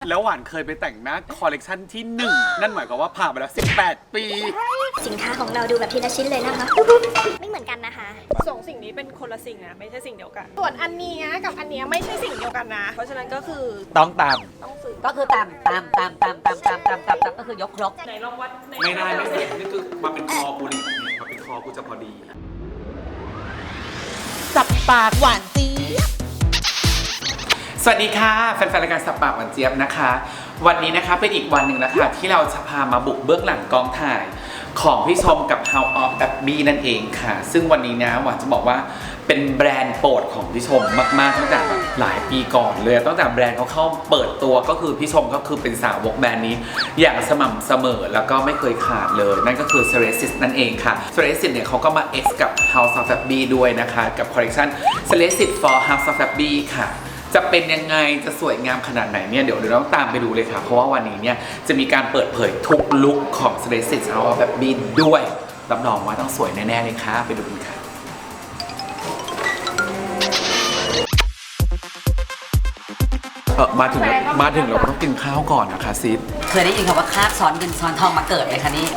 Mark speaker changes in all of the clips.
Speaker 1: แล้วหวานเคยไปแต่งหน้าคอลเลกชันที่1นั่นหมายความว่าผ่านไปแล้ว18 ปี
Speaker 2: สินค้าของเราดูแบบทีละชิ้นเลยนะคะไม่เหมือนกันนะคะ
Speaker 3: สองสิ่งนี้เป็นคนละสิ่งนะไม่ใช่สิ่งเดียวกันส่วนอันนี้กับอันนี้ไม่ใช่สิ่งเดียวกันนะเพราะฉะนั้นก็คือ
Speaker 1: ต้องตาม
Speaker 3: ต้องซื้อ
Speaker 4: ก็คือตามก็คือยกครบ
Speaker 3: ไหนลองวัด
Speaker 1: ไม่ได้ไม่ได้นี่คือมาเป็นคอกูนี่มาเป็นคอกูจะพอดี
Speaker 4: สับปากหวานจี๊บ
Speaker 1: สวัสดีค่ะแฟนๆรายการสับปากหวานเจี๊ยบนะคะวันนี้นะคะเป็นอีกวันหนึ่งนะคะที่เราจะพามาบุกเบื้องหลังกองถ่ายของพี่ชมกับ House of Abby นั่นเองค่ะซึ่งวันนี้นะหวานจะบอกว่าเป็นแบรนด์โปรดของพี่ชมมากๆตั้งแต่หลายปีก่อนเลยตั้งแต่แบรนด์เขาเข้าเปิดตัวก็คือพี่ชมก็คือเป็นสาวกแบรนด์นี้อย่างสม่ำเสมอแล้วก็ไม่เคยขาดเลยนั่นก็คือ Ceresis นั่นเองค่ะ Ceresis เนี่ยเขาก็มา X กับ House of Abby ด้วยนะคะกับคอลเลคชัน Ceresis for House of Abby ค่ะจะเป็นยังไงจะสวยงามขนาดไหนเนี่ยเดี๋ยวเราต้องตามไปดูเลยค่ะเพราะว่าวันนี้เนี่ยจะมีการเปิดเผยทุกลุคของ Ceresis House of Abby ด้วยรับรองว่าต้องสวยแน่ๆเลยค่ะไปดูกันค่ะมาถึงเราต้องกินข้าวก่อนนะคะซิด
Speaker 4: เคยได้ยินคำว่าคาบซ้อนเงินซ้อนทองมาเกิดไหมคะนี่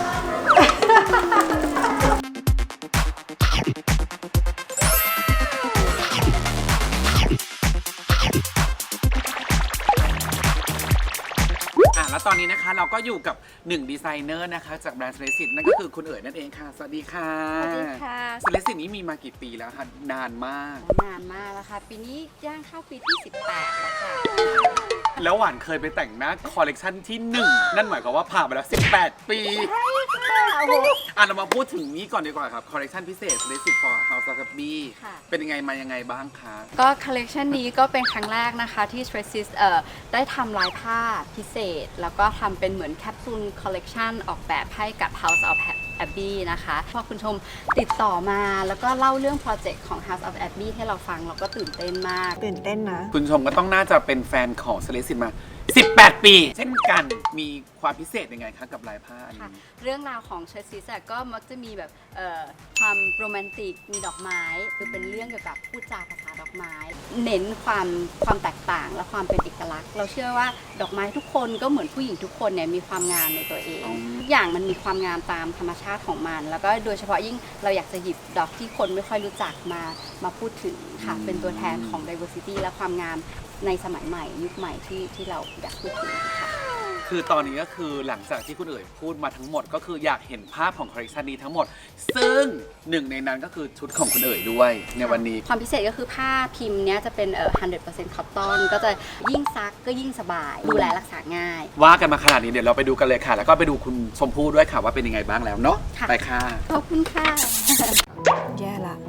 Speaker 1: แล้วตอนนี้นะคะเราก็อยู่กับ1ดีไซเนอร์นะคะจากแบรนด์ Ceresis นั่นก็คือคุณเอ๋ยนั่นเองค่ะสวัสดีค่ะ
Speaker 5: สวัสดีค่ะ
Speaker 1: Ceresis นี้มีมากี่ปีแล้วคะนานมาก
Speaker 5: แล้วค่ะปีนี้ย่างเข้าปีที่18แล้วค่ะ
Speaker 1: แล้วหวานเคยไปแต่งหน้าคอลเลกชันที่1นั่นหมายความว่าผ่านไปแล้ว18 ปีเรามาพูดถึงนี้ก่อนดีกว่าครับคอลเลกชันพิเศษ Ceresis for House of Abby เป็นยังไงมายังไงบ้างคะ
Speaker 5: ก็คอลเลกชันนี้ก็เป็นครั้งแรกนะคะที่ Ceresis ได้ทำลายผ้าพิเศษแล้วก็ทำเป็นเหมือนแคปซูลคอลเลกชันออกแบบให้กับ House of Abby นะคะพอคุณชมติดต่อมาแล้วก็เล่าเรื่องโปรเจกต์ของ House of Abby ให้เราฟังเราก็ตื่นเต้นมาก
Speaker 3: ตื่นเต้นนะ
Speaker 1: คุณชมก็ต้องน่าจะเป็นแฟนของ Ceresis มา18 ปีเช่นกันมีความพิเศษยังไงคะกับลายผ้าอันนี้
Speaker 5: เรื่องราวของ Ceresis ก็มักจะมีแบบความโรแมนติกมีดอกไม้คือเป็นเรื่องเกี่ยวกับพูดจาภาษาดอกไม้เน้นความแตกต่างและความเป็นเอกลักษณ์เราเชื่อว่าดอกไม้ทุกคนก็เหมือนผู้หญิงทุกคนเนี่ยมีความงามในตัวเองทุกอย่างมันมีความงามตามธรรมชาติของมันแล้วก็โดยเฉพาะยิ่งเราอยากจะหยิบดอกที่คนไม่ค่อยรู้จักมาพูดถึงค่ะเป็นตัวแทนของ diversity และความงามในสมัยใหม่ยุคใหม่ที่เราอยากพูดถึงค่ะ
Speaker 1: คือตอนนี้ก็คือหลังจากที่คุณเอ๋ยพูดมาทั้งหมดก็คืออยากเห็นภาพของคอลเลคชันนี้ทั้งหมดซึ่งหนึ่งในนั้นก็คือชุดของคุณเอ๋ยด้วยในวันนี้
Speaker 5: ความพิเศษก็คือผ้าพิมพ์เนี้ยจะเป็น100% คอตตอนก็จะยิ่งซักก็ยิ่งสบายดูแลรักษาง่าย
Speaker 1: ว่ากันมาขนาดนี้เดี๋ยวเราไปดูกันเลยค่ะแล้วก็ไปดูคุณชมพู่ด้วยค่ะว่าเป็นยังไงบ้างแล้วเนาะไปค่ะ
Speaker 5: ขอบคุณค่ะ
Speaker 3: แย่ละ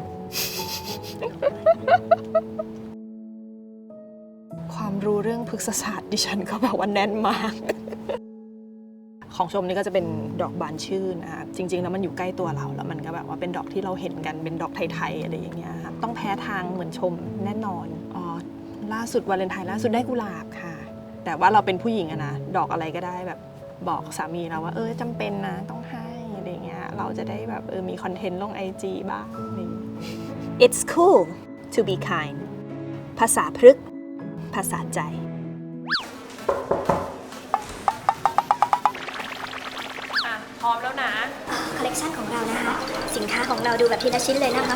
Speaker 3: ความรู้เรื่องพฤกษศาสตร์ดิฉันก็แบบว่าแน่นมากของชมนี่ก็จะเป็นดอกบานชื่นนะคะจริงๆแล้วมันอยู่ใกล้ตัวเราแล้วมันก็แบบว่าเป็นดอกที่เราเห็นกันเป็นดอกไทยๆอะไรอย่างเงี้ยค่ะต้องแพ้ทางเหมือนชมแน่นอนล่าสุดวาเลนไทน์ล่าสุดได้กุหลาบค่ะแต่ว่าเราเป็นผู้หญิงอะนะดอกอะไรก็ได้แบบบอกสามีเราว่าจำเป็นนะต้องให้อะไรอย่างเงี้ยเราจะได้แบบมีคอนเทนต์ลง IG บ้างอะไรอย่างเงี้ย It's cool to be kind ภาษาพฤกษ์ภาษาใจพร้อมแล้วนะ
Speaker 2: คอลเลกชันของเรานะคะสินค้าของเราดูแบบทีละชิ้นเลยนะคะ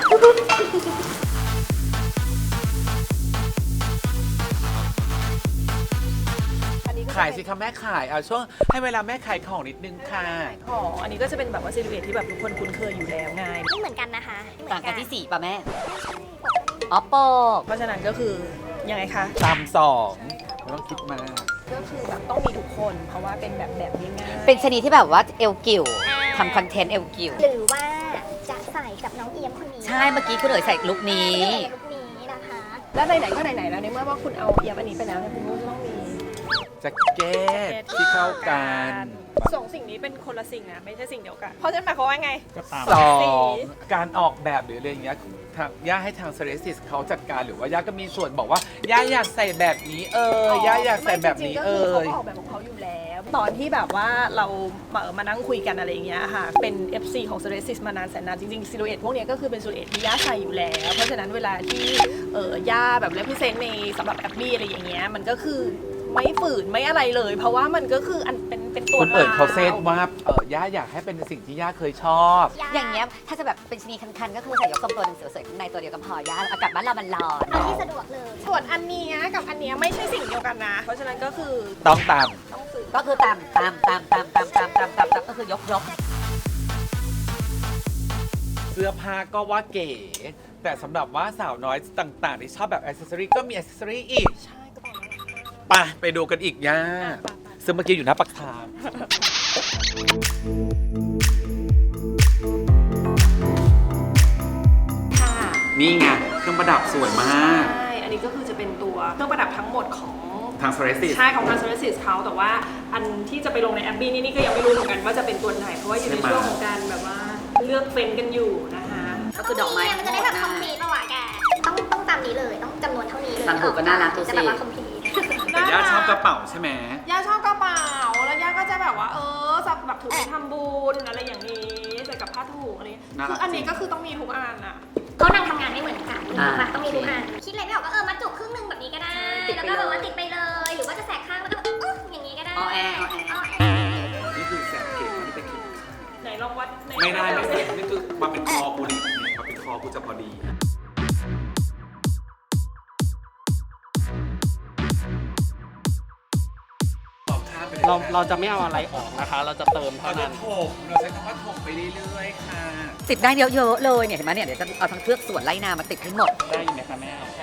Speaker 1: ขายสิคะแม่ขายช่วงให้เวลาแม่ขายของนิดนึงค่ะ
Speaker 3: ของอันนี้ก็จะเป็นแบบว่าซิลูเอทที่แบบทุกคนคุ้นเคยอยู่แล้วไง
Speaker 2: ไม่เหมือนกันนะคะ
Speaker 4: ต่างกันที่สีป่ะแม่อ๋อโปก
Speaker 3: เพราะฉะนั้นก็คือยังไงคะ
Speaker 1: ตาม2ไม่ต้องคิดมาก
Speaker 3: ก็คือแบบต้องมีทุกคนเพราะว่าเป็นแบบง่าย
Speaker 4: เป็นชนิดที่แบบว่าเอวกิ่วทำคอนเทนต์เอวกิ่ว
Speaker 2: หรือว่าจะใส่กับน้องเอียมคนนี้
Speaker 4: ใช่เมื่อกี้คุณเอ๋ยใส่ลุคนี้
Speaker 2: นะคะ
Speaker 3: แล้วไหนๆก็ไหนๆแล้วในเมื่อว่าคุณเอาเอียมอันนี้ไปแล้วเนี่ยคุณก็ต้องมี
Speaker 1: แจ็คเก็ตที่เข้ากัน
Speaker 3: สองสิ่งนี้เป็นคนละสิ่งนะไม่ใช่สิ่งเดียวกันเพราะฉะนั้นหมายความว่าไง
Speaker 1: 2การออกแบบหรืออะไรอย่างเงี้ยย่าให้ทาง Ceresis เขาจัดการหรือว่าย่าก็มีส่วนบอกว่าย่าอยากใส่แบบนี้ย่าอยากใส่แบบนี้
Speaker 3: เขาออกแบบของเขาอยู่แล้วตอนที่แบบว่าเรามานั่งคุยกันอะไรอย่างเงี้ยค่ะเป็น FC ของ Ceresis มานานแสนนานจริงๆซิลูเอทพวกนี้ก็คือเป็นซิลูเอทที่ย่าใส่อยู่แล้วเพราะฉะนั้นเวลาที่ย่าแบบเลพิเซนต์ในสำหรับแอบบี้อะไรอย่างเงี้ยมันก็คือไม่ฝืนไม่อะไรเลย เพราะว่ามันก็คืออันเป็นตัว
Speaker 1: คุณเอิญเขาเซต
Speaker 3: ร
Speaker 1: ว่าย่าอยากให้เป็นสิ่งที่ย่าเคยชอบ
Speaker 4: อย่างเงี้ยถ้าจะแบบเป็นชนีคันๆก็คือใส่ยกทรงตัวหนึ่งสวยๆข้างในตัวเดียวกับพอย่าอากาศบ้านเรามันร้อน
Speaker 2: ที่สะดวกเลย
Speaker 3: ส่วนอันเนี้ยกับอันเนี้ยไม่ใช่สิ่งเดียวกันนะ เพราะฉะนั้นก็คือ
Speaker 1: ต้องตาม
Speaker 3: ต้องฝืน
Speaker 4: ก็คือตามก็คือยก
Speaker 1: เสื้อผ้าก็ว่าเก๋ แต่สำหรับว่าสาวน้อยต่างๆที่ชอบแบบอ c เซสซอรี่ก็มีอ c เซสซอรี่อีก
Speaker 3: ใช่ก็บอกแล้วนะคะ
Speaker 1: ไปดูกันอีกย่าซึ่งเมื่อกี้อยู่หน้าปากทาง
Speaker 3: ค่ะ
Speaker 1: นี่ไงเครื่องประดับสวยมาก
Speaker 3: ใช่ อันนี้ก็คือจะเป็นตัวเครื่องประดับทั้งหมดของ
Speaker 1: ทางโซเรซิส
Speaker 3: ใช่ของทาง Services เขาแต่ว่าอันที่จะไปลงในแอปบี้นี่ก็ยังไม่รู้เหมือนกันว่าจะเป็นตัวไหน เพราะว่าอยู่ในช่วงของการแบบว่าเลือกเฟ้นกันอยู่นะคะ
Speaker 4: ก็คือดอกไม้
Speaker 2: มันจะได้แบบคอมพลีทป่าวะแก ต้องตามนี้เลย ต้องจำนวนเท่านี้เลย
Speaker 4: ตามถูกก็น่ารักดูสิ
Speaker 2: จะแบบว่าคอมพลีท
Speaker 1: แต่ย่าชอบกระเป๋าใช่ไหม
Speaker 3: ย่าชอบกระเป๋าแล้วย่าก็จะแบบว่าแบบถือไปทำบุญอะไรอย่างนี้ใส่กับผ้าถุงอะไรคืออันนี้ก็คือต้องมีทุกอันอะ
Speaker 2: เขานั่งทำงานไม่เหมือนกันแบบต้องมีทุกอัน คิดอะไรไม่ออกก็มาจุกครึ่งนึงแบบนี้ก็ได้ แล้วก็แบบว่าติดไปเลย หรือว่าจะแสกข้างแล้วก็อย่างนี้ก็ได้
Speaker 4: ออแอร์
Speaker 1: นี่คือแสนเก๋อันนี้เป็นเข็ม
Speaker 3: ไหนลองวัด
Speaker 1: ไม่ได้ไม่ได้นี่คือมาเป็นคอกูนี่มาเป็นคอกูจะพอดี
Speaker 6: เราจะไม่เอาอะไรออกนะคะ เราจะเติมเท่า
Speaker 1: เราจะ
Speaker 6: นั้น
Speaker 1: ถมเราใช้คำว่าถมไปเรื่อยๆค่ะ
Speaker 4: ติดได้เยอะๆเลยเนี่ยเห็นไหมเนี่ยเดี๋ยวจะเอาทั้งเครือกสวนไล่นามาติดให้หมด
Speaker 6: ได้ยินไหมคะแม่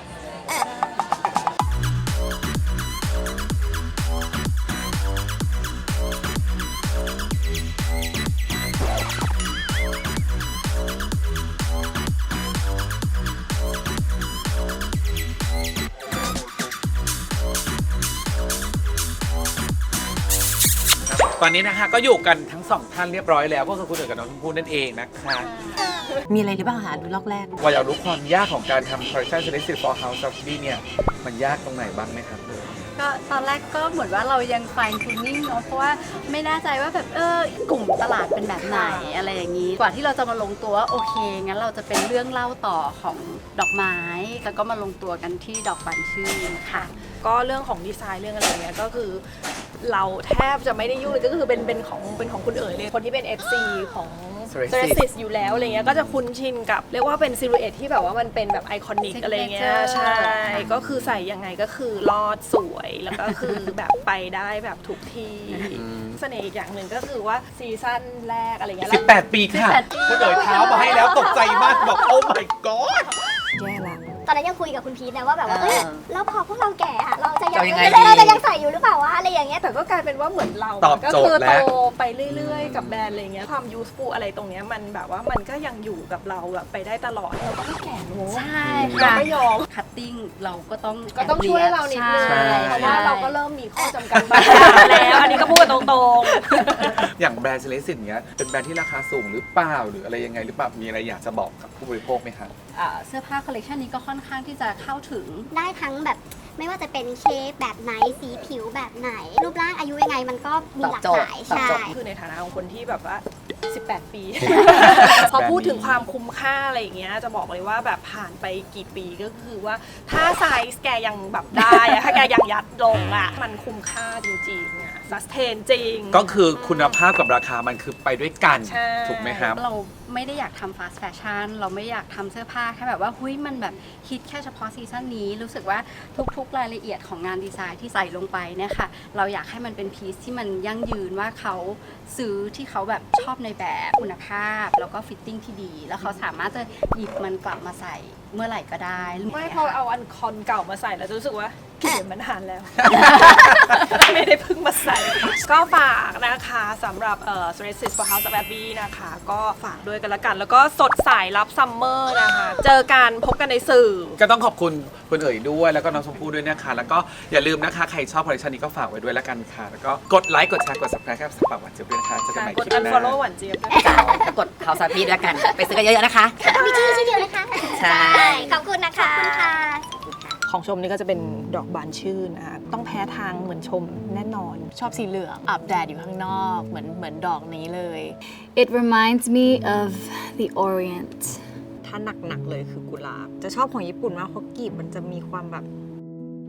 Speaker 1: ตอนนี้นะคะก็อยู่กันทั้งสองท่านเรียบร้อยแล้ว ก็คือคุณเอ๋กับน้องชมพู่นั่นเองนะคะ
Speaker 4: มีอะไรหรือเปล่าหาดูลอกแรก
Speaker 1: ว่าอยากรู้ความยากของการทำ Collection Selected for House of B เนี่ย มันยากตรงไหนบ้างไหมครับ
Speaker 5: ก็ตอนแรกก็เหมือนว่าเรายัง fine tuning เนาะเพราะว่าไม่แน่ใจว่าแบบกลุ่มตลาดเป็นแบบไหนอะไรอย่างนี้ กว่าที่เราจะมาลงตัวว่าโอเคงั้นเราจะเป็นเรื่องเล่าต่อของดอกไม้แล้วก็มาลงตัวกันที่ดอกบานชื่นค่ะ
Speaker 3: ก็เรื่องของดีไซน์เรื่องอะไรเงี้ยก็คือเราแทบจะไม่ได้ยุ่งเลยก็คือเป็นของคุณเอ๋ยเลยคนที่เป็น FC ของ Ceresis อยู่แล้วอะไรเงี้ยก็จะคุ้นชินกับเรียกว่าเป็นซิลูเอทที่แบบว่ามันเป็นแบบไอคอนิกอะไรเงี้ย
Speaker 5: Signature
Speaker 3: ใช่ก็คือใส่ยังไงก็คือรอดสวยแล้วก็คือแบบไปได้แบบทุกที่เสน่ห์อีกอย่างหนึ่งก็คือว่าซีซั่นแรกอะไรเงี้ย
Speaker 1: 18 ปีค่ะคุณเอ๋ยเท้ามาให้แล้วตกใจมากบอกโอ้ my god
Speaker 3: แย่ละ
Speaker 2: ตอนนั้นยังคุยกับคุณพีทนะว่าแบบว่า แล้วพอพวกเราแก่อะเราจะยัง
Speaker 4: จะยังไง
Speaker 2: เราจะยังใส่อยู่หรือเปล่าวะอะไรอย่างเงี้ย
Speaker 3: แต่ก็กลายเป็นว่าเหมือนเรา
Speaker 1: ตอบ
Speaker 3: ก็
Speaker 1: โจทย์
Speaker 3: คือ
Speaker 1: แล้
Speaker 3: โต
Speaker 1: ว
Speaker 3: ไปเรื่อยๆ กับแบรนด์อะไรเงี้ยความ useful อะไรตรงเนี้ยมันแบบว่ามันก็ยังอยู่กับเราแบบไปได้ตลอดเราก็ไม่แก่รู้
Speaker 5: ใช่
Speaker 3: เรา
Speaker 5: ค่ะ
Speaker 3: ไม่ยอม
Speaker 5: คัตติ้งเราก็ต้อง
Speaker 3: ก็ต้องช่วยเรานิดนึง
Speaker 1: ใช่
Speaker 3: เพราะว่าเราก็เริ่มมีข้อจำกัดบางอย่างแล้ว อันนี้ก็พูดตรง
Speaker 1: อย่างแบรนด์ Selected เนี้ยเป็นแบรนด์ที่ราคาสูงหรือเปล่าหรืออะไรยังไงหรือเปล่ามีอะไรอยากจะบอกกับผู้บริโภคไหมคะ
Speaker 5: เสื้อผ้าคอลเลคชันนี้ก็ค่อนข้างที่จะเข้าถึง
Speaker 2: ได้ทั้งแบบไม่ว่าจะเป็นเชฟแบบไหนสีผิวแบบไหน รูปร่างอายุยังไงมันก็มีหลากหลาย
Speaker 4: ตอบ
Speaker 2: ใช่
Speaker 4: โจทย์
Speaker 3: ๆ คือในฐานะของคนที่แบบว่า 18 ปี พอพูดถึงความคุ้มค่าอะไรอย่างเงี้ยจะบอกเลยว่าแบบผ่านไปกี่ปีก็คือว่าถ้าไซส์แกยังแบบได้อะถ้าแกยังยัดลงอะมันคุ้มค่าจริงๆอะซัสเทนจริง
Speaker 1: ก็คือคุณภาพกับราคามันคือไปด้วยกัน
Speaker 3: ใช่
Speaker 1: ถูกไหมครับ
Speaker 5: เราไม่ได้อยากทำฟาสต์แฟชั่นเราไม่อยากทำเสื้อผ้าแค่แบบว่าหุ้ยมันแบบฮิตแค่เฉพาะซีซั่นนี้รู้สึกว่าทุกๆรายละเอียดของงานดีไซน์ที่ใส่ลงไปเนี่ยค่ะเราอยากให้มันเป็นพีซที่มันยั่งยืนว่าเขาซื้อที่เขาแบบชอบในแบบคุณภาพ แล้วก็ฟิตติ้งที่ดี แล้วเขาสามารถจะหยิบมันกลับมาใส่เมื่อไหร่ก็ได้
Speaker 3: ไม่พอเอาอันคอนเก่ามาใส่แล้วจะรู้สึกว่าเกลียดมันนานแล้ว ไม่ได้เพิ่งมาใส่ ก็ฝากนะคะสำหรับCeresis for House of Abbey นะคะ ก็ฝากด้วยกันละกัน แล้วก็สดใสรับซัมเมอร์นะคะ เจอกันพบกันในสื่อ
Speaker 1: ก็ต้องขอบคุณคุณเอ๋ยด้วยแล้วก็น้องชมพู่ด้วยนะคะ แล้วก็อย่าลืมนะคะ ใครชอบคอลเลคชันนี้ก็ฝากไว้ด้วยแล้วกันค่ะ แล้วก็กดไลค์กดแชร์กด subscribe กับสปาหวานเจี๊ยบด้วยนะคะเจอกันใหม่
Speaker 3: ก
Speaker 1: ค
Speaker 3: ด
Speaker 1: ลิปหน้า
Speaker 3: unfollow หวานเจี๊ยบด้วย
Speaker 4: กดข่าวสารพีดแล้วกัน ไปซื้อกันเยอะๆนะคะ
Speaker 2: มีชื่อเดียวนะคะ
Speaker 4: ใช่
Speaker 2: ขอบคุณนะคะ ขอบคุณค่ะ
Speaker 3: ของชมนี่ก็จะเป็นดอกบานชื่นนะคะต้องแพ้ทางเหมือนชมแน่นอน
Speaker 7: ชอบสีเหลืองอาบแดดอยู่ข้างนอกเหมือนดอกนี้เลย It reminds me of the Orient
Speaker 8: ถ้าหนักๆเลยคือกุหลาบ จะชอบของญี่ปุ่นมากเพราะกลีบมันจะมีความแบบ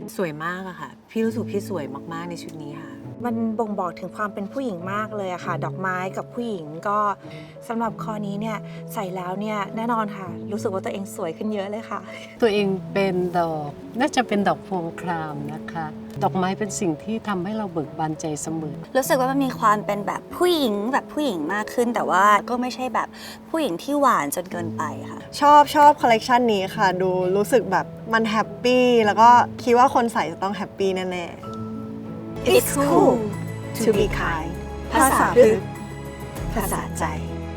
Speaker 8: สวยมากอะค่ะ พี่รู้สึกพี่สวยมากๆในชุดนี้ค่ะ
Speaker 9: มันบ่งบอกถึงความเป็นผู้หญิงมากเลยอะค่ะ ดอกไม้กับผู้หญิงก็สำหรับคอนี้เนี่ยใส่แล้วเนี่ยแน่นอนค่ะ รู้สึกว่าตัวเองสวยขึ้นเยอะเลยค่ะ
Speaker 10: ตัวเองเป็นดอกน่าจะเป็นดอกพวงครามนะคะ ดอกไม้เป็นสิ่งที่ทำให้เราเบิกบานใจเสมอ
Speaker 11: รู้สึกว่ามันมีความเป็นแบบผู้หญิงมากขึ้น แต่ว่าก็ไม่ใช่แบบผู้หญิงที่หวานจนเกินไปค่ะ
Speaker 12: ชอบคอลเลกชันนี้ค่ะ ดูรู้สึกแบบมันแฮปปี้แล้วก็คิดว่าคนใส่จะต้องแฮปปี้แน่ๆ
Speaker 9: It's cool to be kind ภาษาพฤกษ์ภาษาใจ